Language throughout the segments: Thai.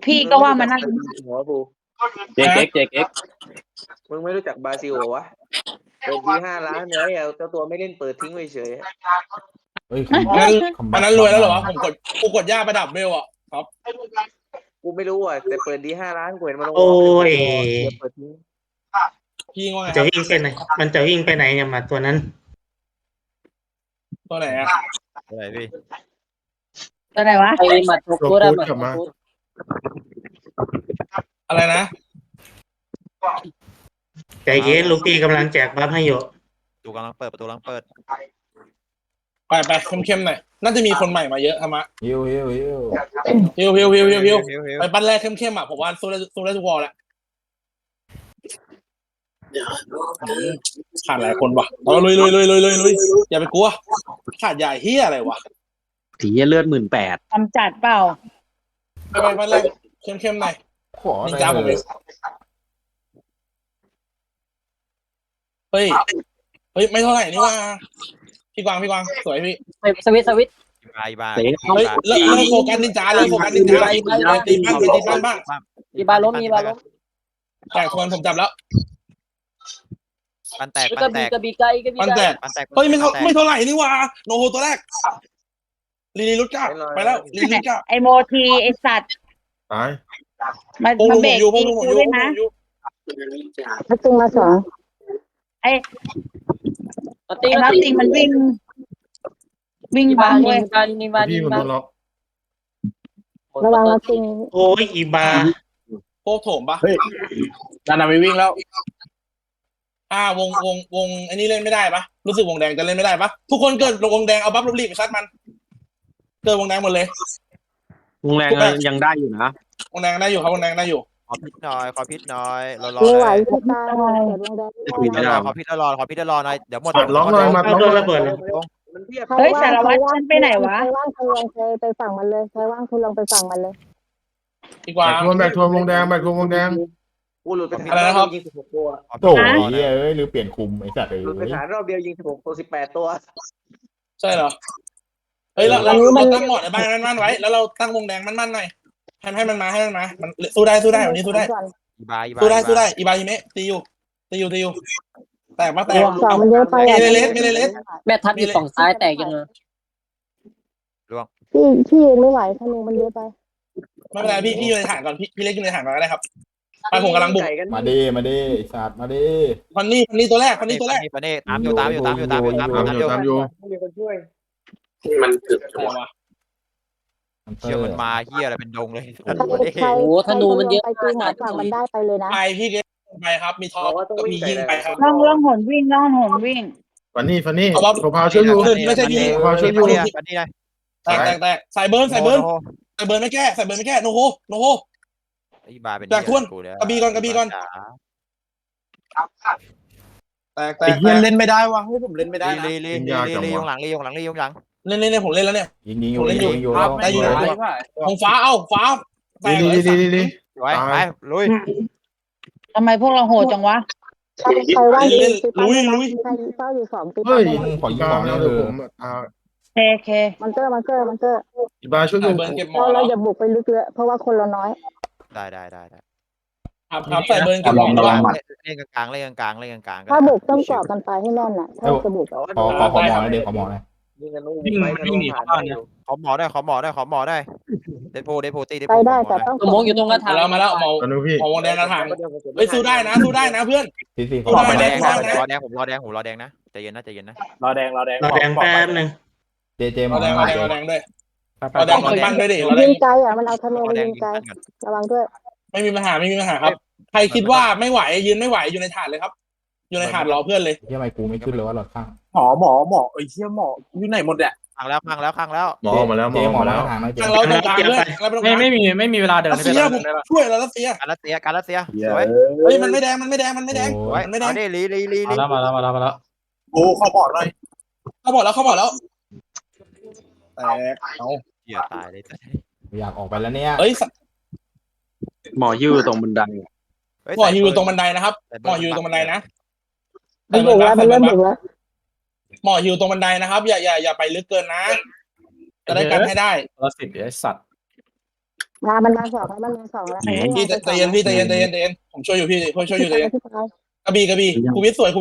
พี่ก็ว่ามันน่าหัวกูเจ๊กมึงไม่รู้จักบาซิโอวะเปิดที่5 ล้านไว้เจ้าตัวไม่เล่นเปิดทิ้งไว้เฉยเฮ้ยอันนั้นรวยแล้วเหรอวะกูกดย่าประดับเบลอ่ะครับกูไม่รู้อ่ะแต่เปิดดี5 ล้านกูเห็นมันลงโอ้ยเปิดทิ้งพี่ว่าไงคจะรับวิ่งไปไหนมันจะวิ่งไปไหนเนี่ยมาตัวนั้นตัวไหนอ่ะอะไรพี่ตัวไหนวะไอ้หมัดทุกตัวได้หมัดทุกตัวอะไรนะใจเย็นลูกพี่กำลังแจกบัฟให้อยู่ประตูกำลังเปิดประตูกำลังเปิดไปเข้มๆหน่อยน่าจะมีคนใหม่มาเยอะธรรมะฮิวฮิวไปปั้นแรกเข้มๆอ่ะผมว่าสู้ได้ทุกวอลแหละขาดหลายคนว่ะเราลุยอย่าไปกลัวขาดใหญ่เฮียอะไรวะผีเลือด18,000 ทำจัดเปล่าไปปั้นแรกเข้มๆหน่อยขอนินจาผมเองเฮ้ยไม่เท่าไหร่นี่ว่าพี่กวางสวยพี่สวิตอีบาเฮ้ยเลิกโฟกัสนินจาเลยโฟกัสนินจาตีบ้านมีบาล้มแต่คนผมจับแล้วปันแตกกระบี่ไกลมันแตกเฮ้ยไม่เท่าไหร่นี่ว่าโนโฮตัวแรกลีลุดก้าไปแล้วลีลุดก้าไอโมทีไอสัตว์ตายมาเบรกตีกูด้วยนะพักตึงมาสองไอมาตีนัตติงมันวิ่งบางเว้ยพี่มันโดนล็อกระวังมาตึงโอ้ยอีบาโคโถมปะเฮ้ยนานาไม่วิ่งแล้ววงอันนี้เล่นไม่ได้ปะรู้สึกวงแดงจะเล่นไม่ได้ปะทุกคนเกิดวงแดงเอาบัฟลบลีบไปซัดมันเกิดวงแดงหมดเลยวงแรงยังได้อยู่นะวงแดงได้อยู่ครับวงแดงได้อยู่ขอพิษหน่อยรอไม่ไหวเลยพี่ตาเสียดวงแดงขอพิษรอหน่อยเดี๋ยวหมดล็อกหน่อยมาเอาโดนระเบิดเลยมันเทียบเฮ้ยสารวัตรฉันไปไหนวะใครว่างคุณลองไปฝั่งมันเลยใครว่างคุณลองไปฝั่งมันเลยดีกว่าแบกทวนวงแดงกูหลุดไปฐานอะไรนะครับยิง16 ตัวโถ่เอ้ยหรือเปลี่ยนคุมไอ้สัตว์หลุดไปฐานรอบเดียวยิง16 ตัว18 ตัวใช่เหรอเฮ้ยเราตั้งหมดในบ้านมั่นไว้แล้วเราตั้งวงแดงมั่นหน่อยให้มันมามันสู้ได้วันนี้สู้ได้อีบาสู้ได้อีบาฮิเมะตีอยู่แตกสองมันเยอะไปไม่เลสแม่ทัพอยู่ฝั่งซ้ายแตกยังไงพี่เองไม่ไหวธนูมันเยอะไปไม่เป็นไรพี่อยู่ในฐานก่อนพี่เล็กอยู่ในฐานก่อนก็ได้ครับไปผมกำลังบุกมาดิไอ้สัตว์มาดิพันนี่ตัวแรกตามอยู่ไม่มีคนช่วยมันถึกอะไรวะเชื่อมันมาเฮียอะไรเป็นดงเลยใครโอ้ธนูมันเยอะไปตีหัวฝั่งมันได้ไปเลยนะไปพี่เล็กไปครับมีทอก็มียิงไปครับล่องหนวิ่งฟันนี่โซพาวช่วยอยู่ไม่ใช่ยิง แตกใส่เบิร์นไม่แก้โนโฮอีบาเป็นกระบี่ก่อนแตกเล่นไม่ได้วะผมเล่นไม่ได้นะลียงหลังเล่นผมเล่นแล้วเนี่ยยิงอยู่ได้อยู่ของฟ้าแตกดีไว้ไปลุยทำไมพวกเราโหดจังวะใครว่างลุยใครเฝ้าอยู่2ตีเฮ้ยขอยิงของแล้วผมเคมันเตอร์อีบาช่วยอยู่เบิร์นเก็บหมอเราอย่าบุกไปลึกเลยเพราะว่าคนเราน้อยได้ครับใส่เบิร์นเก็บหมอเล่นกลางถ้าบุกต้องเกาะกันไปให้แน่นน่ะถ้าจะบุกขอหมอนะเด็กขอหมอนะยิงกันวิ่งหนีเข้าบ้านอยู่ขอหมอได้เดโพตีไปได้แต่ต้องสมองอยู่ตรงกระถางมาแล้วหมอวงแดงกระถางเฮ้ยสู้ได้นะเพื่อนสี่ผมรอแดงนะใจเย็นนะรอแดงแป๊บนึงเจมเราแดงด้วยเราแดงคนปั้นด้วยดิเราแดยิงงไกลมันเอาธนูมายิงไกลระวังด้วยไม่มีปัญหาครับใครคิดว่าไม่ไหวยืนไม่ไหวอยู่ในถาดเลยครับอยู่ในถาดรอเพื่อนเลยทำไมกูไม่ขึ้นเลยว่าหลอดข้างหมอไอ้เชี่ยหมออยู่ไหนหมดแหละข้างแล้วหมอมาแล้วหมอแล้วทางนั้นทางเราตรงกลางด้วยไม่มีเวลาเดินรัสเซียผมช่วยเรารัสเซียการรัสเซียสวยเฮ้ยมันไม่แดงลีมาแล้วโอ้เข้าบอดแล้วแตกเอาเหี้ยตายเลยอยากออกไปแล้วเนี่ยเฮ้ยหมอยื้อตรงบันไดหมออยู่ตรงบันไดนะครับหมออยู่ตรงบันไดนะมันบุกแล้วมันเริ่มบุกแล้วหมออยู่ตรงบันไดนะครับอย่าไปลึกเกินนะจะได้กันให้ได้ละ10ไอ้สัตว์มันมาสองแล้วมันมาสองแล้วพี่ใจเย็นพี่ใจเย็นผมช่วยอยู่พี่ช่วยอยู่ใจเย็นกระบี่ครูวิทย์สวย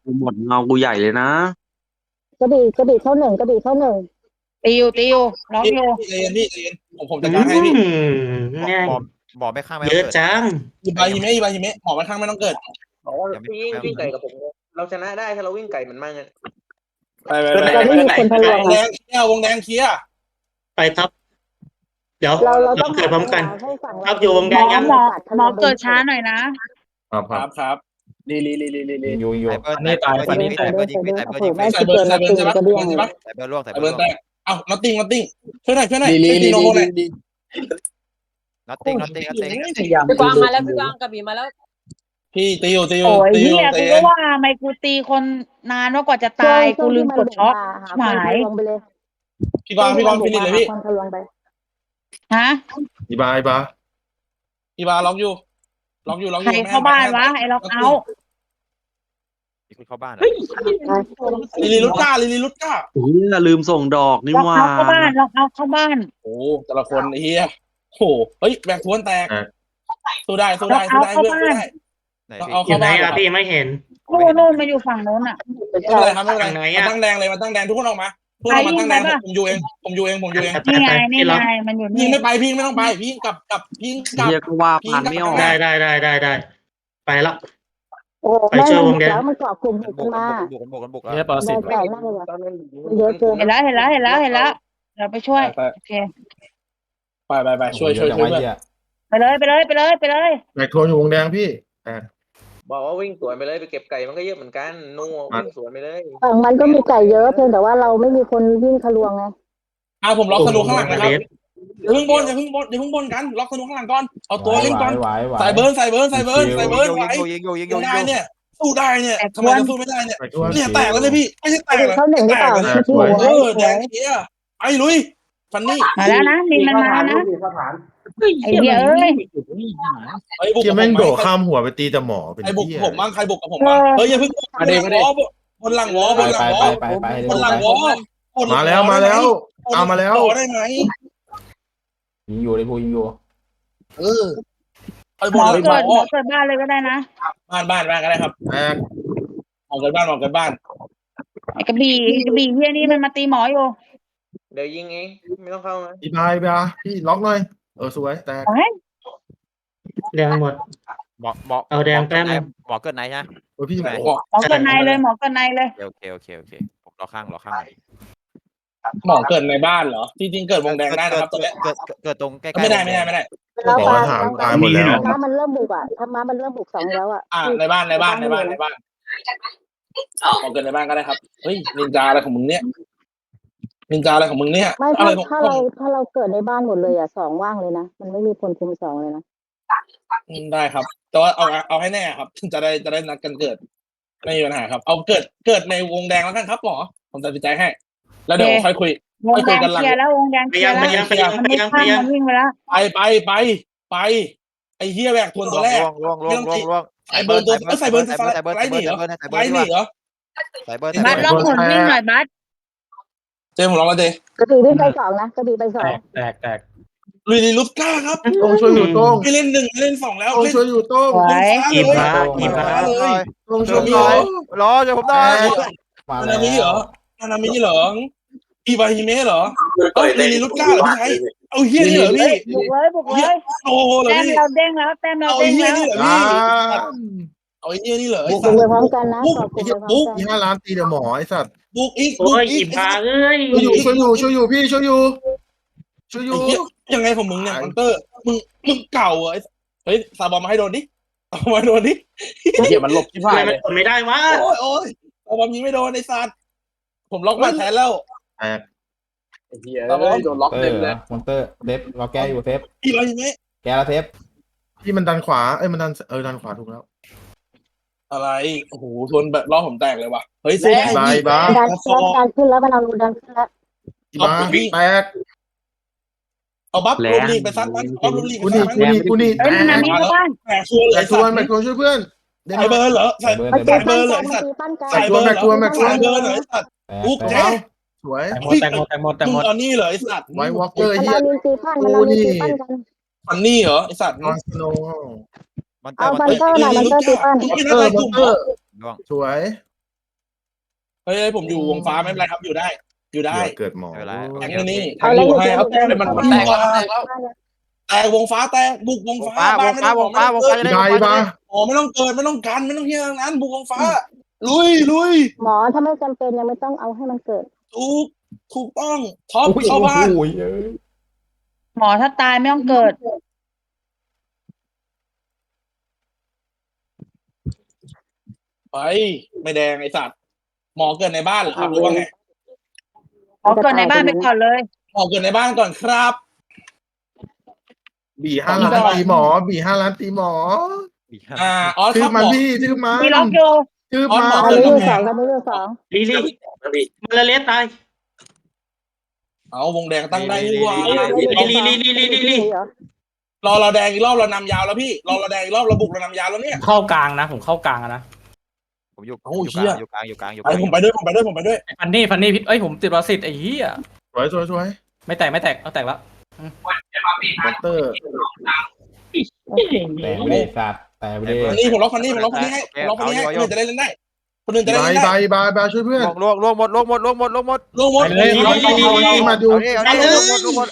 หมดเงากูใหญ่เลยนะกระบี่เข้าหนึ่งตีอยู่ล็อกอยู่พี่ใจเย็นผมจัดการให้พี่ง่ายหมอไม่ข้างไม่เยอะจังอีบาฮิเมะหมอมันข้างไม่ต้องเกิดบอกว่าพี่วิ่งไก่กับผมเราชนะได้ถ้าเราวิ่งไก่มันมากเงี้ยไปวงแดงเคลียร์ไปท็อปเดี๋ยวเราเราต้องเกิดพร้อมกันให้ฝั่งท็อปอยู่วงแดงยังหมอเกิดช้าหน่อยนะครับลีอยู่นี่ตายคนนี้ใส่เบอร์ยิงใส่เบอร์ยิงใส่เบิร์นใช่ปะใส่เบอร์ล่วงใส่ใส่เบเบิอร์นร์แตล่วงกเอ้าน็อตติ้งช่วยหน่อยโนโหน่อยน็อตติ้งพี่กวางมาแล้วพี่กวางกระบี่มาแล้วพี่ตีอยู่โอ้ยเฮียกูก็ว่าทำไมกูตีคนนานกว่าจะตายกูลืมกดช็อคหายไปเลยพี่กวางฟินิชเลยพี่ทะลวงไปฮะอีบาอีบาล็อกอยู่ใครเข้าบ้านวะไอ้ล็อกเอาท์มีคนเข้าบ้านลิลิลุก้าลืมส่งดอกนี่ล็อกว่าเอาท์เข้าบ้านล็อกเอาท์เข้าบ้านโอ้แต่ละคนเฮียโหเฮ้ยแบกทวนแตกสู้ได้เพื่อนสู้ได้ไหนเอาอเข้ายู่ไหนบ้านล่ะพี่ไม่เห็นนู่นมาอยู่ฝั่งโน้นอ่ะไม่เป็นไรครับไม่เป็นไรมาตั้งแดงเลยมาตั้งแดงทุกคนออกมาทุกคนมาตั้งแดงผมอยู่เองนี่ไงมันอยู่พี่นี่ไม่ไปพี่ไม่ต้องไปพี่กลับเรียกว่าผ่านไม่ออกได้ไปแล้วโอ้แม่แล้วมันเกาะกลุ่มกันมาบุกเนี่ยปรสิตแก่มากเลยเยอะเกินเห็นแล้วเราไปช่วยโอเคไปช่วยเพื่อนไปเลยแบกโทนอยู่วงแดงพี่บอกว่าวิ่งสวนไปเลยไปเก็บไก่มันก็เยอะเหมือนกันนู่วิ่งสวนไปเลยฝั่งมันก็มีไก่เยอะเพียงแต่ว่าเราไม่มีคนวิ่งทะลวงไงผมล็อกธนูข้างหลังนะครับอย่าเพิ่งบนกันล็อกธนูข้างหลังก่อนเอาตัวเล่นก่อนใส่เบิร์นไหวได้เนี่ยสู้ได้เนี่ยทำไมจะสู้ไม่ได้เนี่ยเนี่ยแตกแล้วเลยพี่ไม่ใช่แตกเข้าหนึ่งหรือเปล่าแดงเฮียไอ้ลุยฟันนี่มาแล้วนะมีมันมานะไอ้เหี้ยเอ้ยไอ้บุกที่แม่งโดดข้ามหัวไปตีแต่หมอเป็นไอ้บุกเหี้ยผมบ้างใครบุกกับผมบ้างเฮ้ยอย่าเพิ่งบนหลังวอบนหลังวมาแล้วเอามาแล้วได้ไหมยิงอยู่เลยพูยิงอยู่ไอ้หบมนอหลังเกิดบ้านเลยก็ได้นะบ้านก็ได้ครับแบกออกกันบ้านไอ้กระบี่เฮียนี่มันมาตีหมออยู่เดี๋ยวยิงเองไม่ต้องเข้านะอีบาพี่ล็อกหน่อยสวยแตกแดงหมดหมอเอาแดงแป๊บนึงหมอเกิดไหนฮะพี่หมอเกิดในเลยโอเคผมรอข้างหมอเกิดในบ้านเหรอจริงเกิดวงแดงได้นะครับตัวเนี้ยเกิดตรงใกล้ๆไม่ได้แล้วปลาตายหมดแล้วถ้ามันเริ่มบุกอ่ะถ้ามันเริ่มบุกสองแล้วอ่ะในบ้านหมอเกิดในบ้านก็ได้ครับเฮ้ยนินจาอะไรของมึงเนี่ยไม่ถ้าเราเกิดในบ้านหมดเลยอ่ะสองว่างเลยนะมันไม่มีคนคุมสองเลยนะได้ครับแต่ว่าเอาให้แน่ครับจะได้นัดกันเกิดไม่มีปัญหาครับเอาเกิดในวงแดงแล้วกันครับหมอผมตัดสินใจให้แล้วเดี๋ยวค่อยคุยวงแดงเคลียร์แล้ววงแดงเคลียร์แล้วมันไม่ข้ามมันวิ่งไปแล้วไปไอ้เฮียแบกทวนตัวแรกล่วงใส่เบิร์นไรหนีเหรอบัสล็อกหุ่นวิ่งหน่อยบัสเจมผมลองแล้วเจกระบี่วิ่งไปสองนะกระบี่ไปสองแตกลุยลุสก้าครับต้องช่วยอยู่ต้องไม่เล่น1เล่น2แล้วต้องช่วยอยู่ต้องอีบาต้องช่วยอยู่รอจะผมได้นานามิเหรอีบาฮิเมะเหรอลีลุสก้าเหรอพี่ชายเอาเฮียนี่เหรอพี่บุกเลยโอ้เหรอแต้มพี่เราเด้งแล้วเอาเฮียนี่เหรอพี่เอาเฮียนี่เหรอบุกไปพร้อมกันนะขอบคุณไปพร้อมกัน 5 ล้านตีแต่หมอไอ้สัตว์บุกอีกโอ้ยอีบาเอ้ยช่วยอยู่พี่ช่วยอยู่ยังไงผมมึงเนี่ยมันเตอร์มึงเก่าเฮ้ยซาบอมมาให้โดนดิเอามาโดนดิเฮียมันหลบที่ผ่านเลยมันไม่ได้วะโอ้ยซาบอมยิงไม่โดนไอ้สัตว์ผมล็อกมาแทนแล้วแตกซาบอมโดนล็อกเต็มเลยมอนเตอร์เซฟเราแก้อยู่เซฟอีบาฮิเมะแก้แล้วเซฟพี่มันดันขวามันดันดันขวาถูกแล้วอะไรโอ้โหทนแบบล้อผมแตกเลยว่ะเฮ้ยสู้ได้บ้าดันขึ้นแล้วมันเอาดันขึ้นแล้วแตกเอาบัฟลูลีไปซัดมันบัฟลูลีกูนี่เอ้ยนามิเข้าบ้านแตกชัวร์เลยชวนช่วยเพื่อนใส่เบอร์เหรอใส่เบอร์เหรอสัตว์ใส่เบอร์เหรอสัตว์ปุ๊กเจ๊สวยแตกหมดมึงเอานี่เหรอไอ้สัตว์ไววอล์กเกอร์มันเฮียเอาลินตีปั้นมันเอาลินตีปั้นกันฟันนี่เหรอไอสัตว์นอนสโนว์มันเตอเอาร์บันเตอร์หน่อยบันเตอร์ตีปั้นไม่เตได้อไรร์กลุ่มเตอร์ล่วงสวยเฮ้ยผมอยู่วงฟ้าไม่เป็นไรครับอยู่ได้ อยู่ได้เดี๋ยวเกิดหมอไม่เป็นไรแทงนี่แทเอางเลยอยู่อยู่ให้เดี๋ยวเอาแทงเลยมันแตกแล้วแตกวงฟ้าแตกบุกวงฟ้าวงฟ้าวงฟ้าวงฟ้าจะได้ได้ปะอ๋อไม่ต้องเกิดไม่ต้องกันไม่ต้องเฮียทั้งนั้นบุกวงฟ้าลุยหมอถ้าไม่จำเป็นยังไม่ต้องเอาให้มันเกิดถูกต้องท็อปเข้าบ้านหมอถ้าตายไม่ต้องเกิดไปไม่แดงไอสัตว์หมอเกิดในบ้านเหรอครับหรือว่าไงหมอเกิดในบ้านไปก่อนเลยหมอเกิดในบ้านก่อนครับบี5 ล้านตีหมอบี5 ล้านตีหมออ๋อชื่คอรับหมันมอพี่ชื่อมันมีล็อกอยู่ชื่ออ๋อมันหมออันนี้อยู่สองอันนี้อยู่สองลีมาละเลสตายเอาวงแดงตั้งได้ดีกว่าลีเหรอรอเราแดงอีกรอบเรานำยาวแล้วพี่รอเราแดงอีกรอบเราบุกเรานำยาวแล้วเนี่ยเข้ากลางนะผมเข้ากลางนะผมอยู่โอ้อยู่เหี้ยกลางอยู่กลางอยู่กไปลางผมไปด้วยผมไปด้วยผมไปด้วยฟันนี่พิษผมติดประสิทธิ์ไอ้เหี้ยสวยสวยสวยไม่แตกเอาแตกแล้วมอนเตอร์แต่ไม่ได้สัตว์แต่ไม่ได้ฟันนี่ผมล็อกฟันนี่ให้ผมล็อกฟันนี่ให้คนอื่นจะได้เล่นได้คนอื่นจะได้ใบเล่นใบได้ใบช่วยเพื่อนล่วงหมดลงหมดมาดูเอาดิลงหมด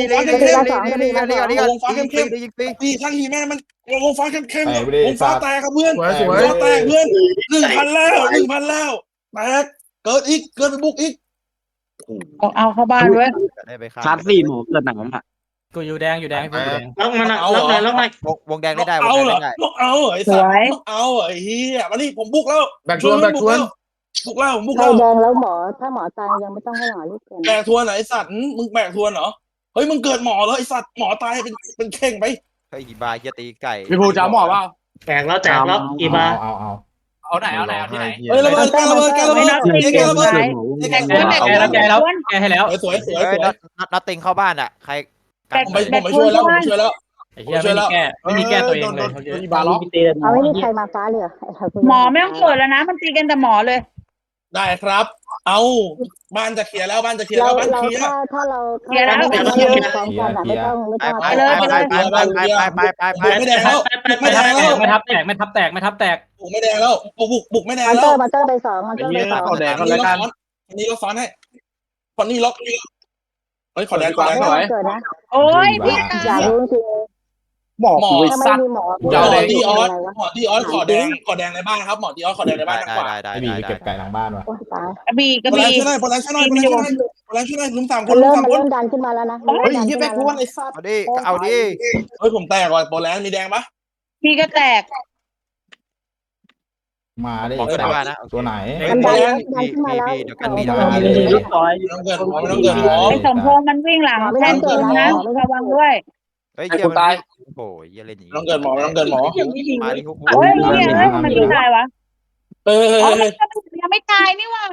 ยิงฟรีพี่ช่างฮีแม่มันวงฟ้าเข้มๆวงฟ้าแตกครับเพื่อนสวยสวยฟ้าแตกเพื่อน1,000แล้วแตกเกิดอีกเกิดไปบุกอีกเอาเข้าบ้านด้วยได้ไปชาร์จ4หมูเกิดหนังอ่ะกูอยู่แดงอยู่แดงล็อกมันล็อกหน่อยวงแดงได้วงเอาแดเหรง อได้เอาไอ้สัตว์เอาไอ้เหี้ยมานี่ผมบุกแล้วแบกชวนแบกชวนบุกแล้วผมบุกใครแล้วแดงแล้วหมอถ้าหมอตายยังไม่ต้องให้หมอรีบเกินแบกทวนไหนไอ้สัตว์มึงแบกทวนเหรอเฮ้ยมึงเกิดหมอแล้วไอ้สัตว์หมอตายเป็นเข่งไปเฮ้ยบาเฮียตีไก่พี่ภูจะหมอเปล่าแตกแล้วอีบาเอาไหนที่ไหนเฮ้ยระเบิดการระเบิดการระเบิดการระเบิดแกให้แล้วสวยนัดติงเข้าบ้านอ่ะใครผมไปช่วยแล้วผมช่วยแล้วไอ้เหี้ยไม่มีแก้ตัวเองเลยบาล็อกเอาไม่มีใครมาฟ้าเลยเหรอหมอไม่ต้องเกิดแล้วนะมันตีกันแต่หมอเลยได้ครับ เอาบ้านจะเคลียร์แล้วบ้านจะเคลียร์เราแล้วบ้านเราเคลียร์ถ้าเราไม่ต้องไม่ต้องไม่แดงแล้วไม่แดงแล้วไม่ทับแตกไม่ทับแตกบุกไม่แดงแล้วบุกไม่แดงมันแล้เตอวร์มันเตอร์ไป2มันเตอร์ไป2 คนนี้ล็อกซ้อนให้คนนี้ล็อกเฮ้ยขอแดงก่อนไม่ต้องเกิดนะโอ้ยพี่ตาอย่าย รู้จริงหมอถ้าไม่มีหมอหมอดีออสขอแดงในบ้านครับหมอดีออสขอแดงในบ้านทางขวาได้ไอ้บีไปเก็บไก่หลังบ้านวะโอ้ตายกระบี่พลังช่วยหน่อยพลังช่วยหน่อยลุม3คนมันลุมเริ่ม 3คนดันขึ้นมาแล้วนะเฮ้ยยี่แบกทวนไอ้สัตว์เอาดิเฮ้ยผมแตกว่ะโปรแลนด์มีแดงปะพี่ก็แตกมาได้บอกได้ว่านะตัวไหนมันดันขึ้นมาแล้วเดี๋ยวกันมีไม่ต้องเกินหมอไม่ต้องเกินหมอไอ้สมพงษ์มันวิ่งหลังแทนตูนนะระวังด้วยเฮ้ยเจียมันโอ้ยเยี่ยเล่นอย่างไม่ต้องเกินหมอไม่ต้องเกินหมอมาดิฮุกโอ้ยเนี่ยมันไม่ตายวะเฮ้ยยังไม่ตายนี่ว่า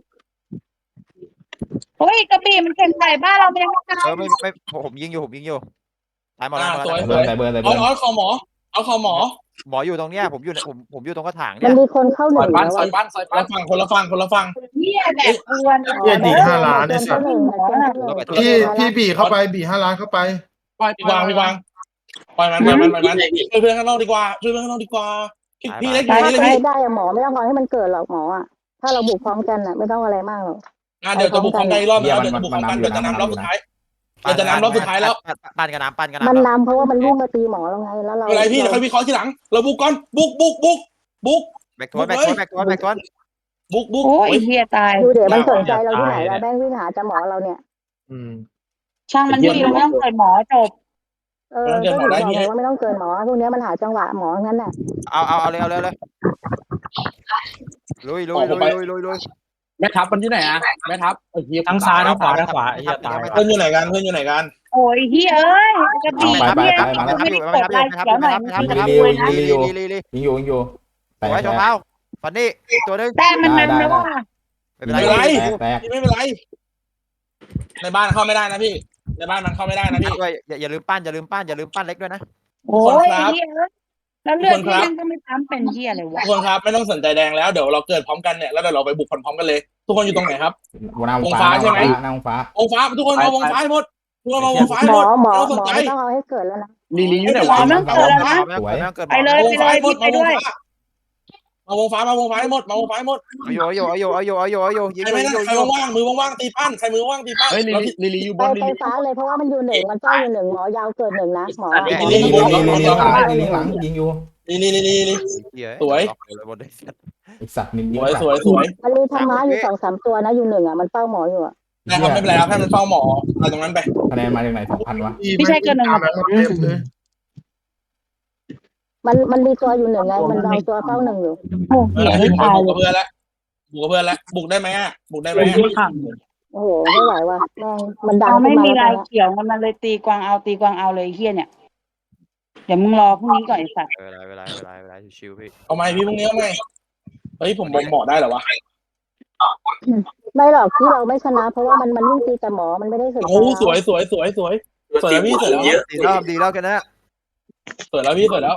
เฮ้ยกระบี่มันเข็นใส่บ้านเราไม่ยังไม่ตายไม่ผมยิงอยู่ตายหมดแล้วสวยใส่เบิร์นเอาคอหมอเอาคอหมอหมออยู่ตรงเนี้ยผมอยู่ตรงกระถางมัเนี่นยมีคนเข้าหนึ่งแล้วคนละฝั่งเหี้ยแบบกวนเหี้ยดี5 ล้านไอ้สัส พี่บีเข้าไปบี5 ล้านเข้าไปพี่วางปล่อยมันช่วยเพื่อนข้างนอกดีกว่าพี่เล็กได้หมอไม่ต้องรอให้มันเกิดหรอกหมออ่ะถ้าเราบุกพร้อมกันอ่ะไม่ต้องอะไรมากหรอกเดี๋ยวจะบุกของใดรอบแล้วเดี๋ยวจะบุกของกันเดี๋ยวจะนำรอบสุดท้ายแล้วปั้นกันน้ำมันนำเพราะว่ามันลุ่มมาตีหมอเราไงแล้วเราอะไรพี่เดี๋ยวค่อยวิเคราะห์ทีหลังเราบุกก่อนบุกแบกทวนโอ้ยเหี้ยตายดูเดี๋ยวมันสนใจเราที่ไหนเราแม่งวิ่งหาจะหมอเราเนี่ยช่างมันดีเราไม่ต้องเกิดหมอจบก็ถึงบอกเลยว่าไม่ต้องเกินหมอพวกนี้มันหาจังหวะหมองั้นน่ะเอาเลยลุยแม่ทัพมันที่ไหนอ่ะแม่ทัพทั้งซ้ายทั้งขวาไอ้เหี้ยตายเพื่อนอยู่ไหนกันโอ้ยเหี้ยเอ้ยกระบี่เหี้ยไม่ได้กดไลค์เดี๋ยวหน่อยยิงอยู่แต่ไว้ชมเท้าฟันนี่ตัวนึงแต่มันนำแล้วว่าไม่เป็นไรไม่เป็นไรในบ้านเข้าไม่ได้นะพี่ในบ้านมันเข้าไม่ได้นะพี่อย่าลืมปั้นเล็กด้วยนะโอ้ยเหี้ยแล้วเลือดที่ยังก็ไม่ซ้ำเป็นเหี้ยเลยวะทุกคนครับไม่ต้องสนใจแดงแล้วเดี๋ยวเราเกิดพร้อมกันเนี่ยแล้วเดี๋ยวเราไปบุกพร้อมกันเลยทุกคนอยู่ตรงไหนครับวงฟ้าใช่ไหมวงฟ้าวงฟ้าทุกคนเอาวงฟ้าให้หมดเพื่อมาวงไฟหมหมอดหมอเราหสมนอใจไม่ต้องเอาให้เกิดแล้วนะลีลีอยู่ไหนหมวะอแม่งเกิดแล้วนะแม่งเกิดไปเลยไปเลยพี่ไปด้วยมาวงไฟมาวงไฟหมดมาวงไฟหมดเอาอยู่ยิงใครไม่ได้ใครว่างมือว่างตีปั้นใครมือว่างตีปั้นเฮ้ยลีลีอยู่บไปนไปฟ้าเลยเพราะว่ามันอยู่หนึ่งมันเฝ้าอยู่หนึ่งหมอยาวเกิดหนึ่งนะหมอลีลีหลังยิงอยู่นี่สวยไอสัตว์นิดสเดียววยสวยสวยมันมีธรรมะอยู่2-3ตัวนะอยู่หนึ่งอ่ะมันเฝ้าหมออยู่อ่ะนะครับไม่เป็นไรครับให้มันเฝ้าหมออะไรตรงนั้นไปคะแนนมาจากไหน2,000วะพี่ชายเกินหนึ่งตามนั้นมาเต็มเลยมันมีตัวอยู่หนึ่งไงมันเอาตัวเฝ้าหนึ่งอยู่โอ้โหบุตายกเลกับยเพื่อนแล้วบุกกับเพื่อนแล้วบุกได้ไหมบุกได้ไหมโอ้โหไม่ไหวว่ะแม่งมันดังเราขึ้ไม่นมามีแล้วลายเขียวมันเลยตีกวางเอาเลยเฮียเนี่ยเดี๋ยวมึงรอพรุ่งนี้ก่อนไอ้สัตว์เวลาชิวๆพี่เอาไหมพี่พรุ่งนี้เอาไหมเฮ้ยผมหมอได้เหรอวะไม่หรอกที่เราไม่ชนะ เพราะว่ามันวิ่งตีแต่หมอมันไม่ได้สนใจโอ้สวยสวยสวยสวยสวยแล้วพี่สวยแล้วดีแล้วกันนะสวยแล้วพี่สวยแล้ว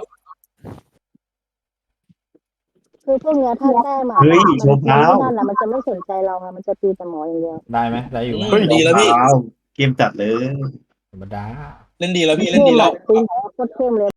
คือพวกเนี้ยถ้าแต้มอ่ะมันนั่นแหละมันจะไม่สนใจเราไงมันจะตีแต่หมออย่างเดียวได้ไหมได้อยู่ดีแล้วพี่เกมจัดเลยธรรมดาเล่นดีแล้วพี่เล่นดีแล้วตีโคตรเข้มเลย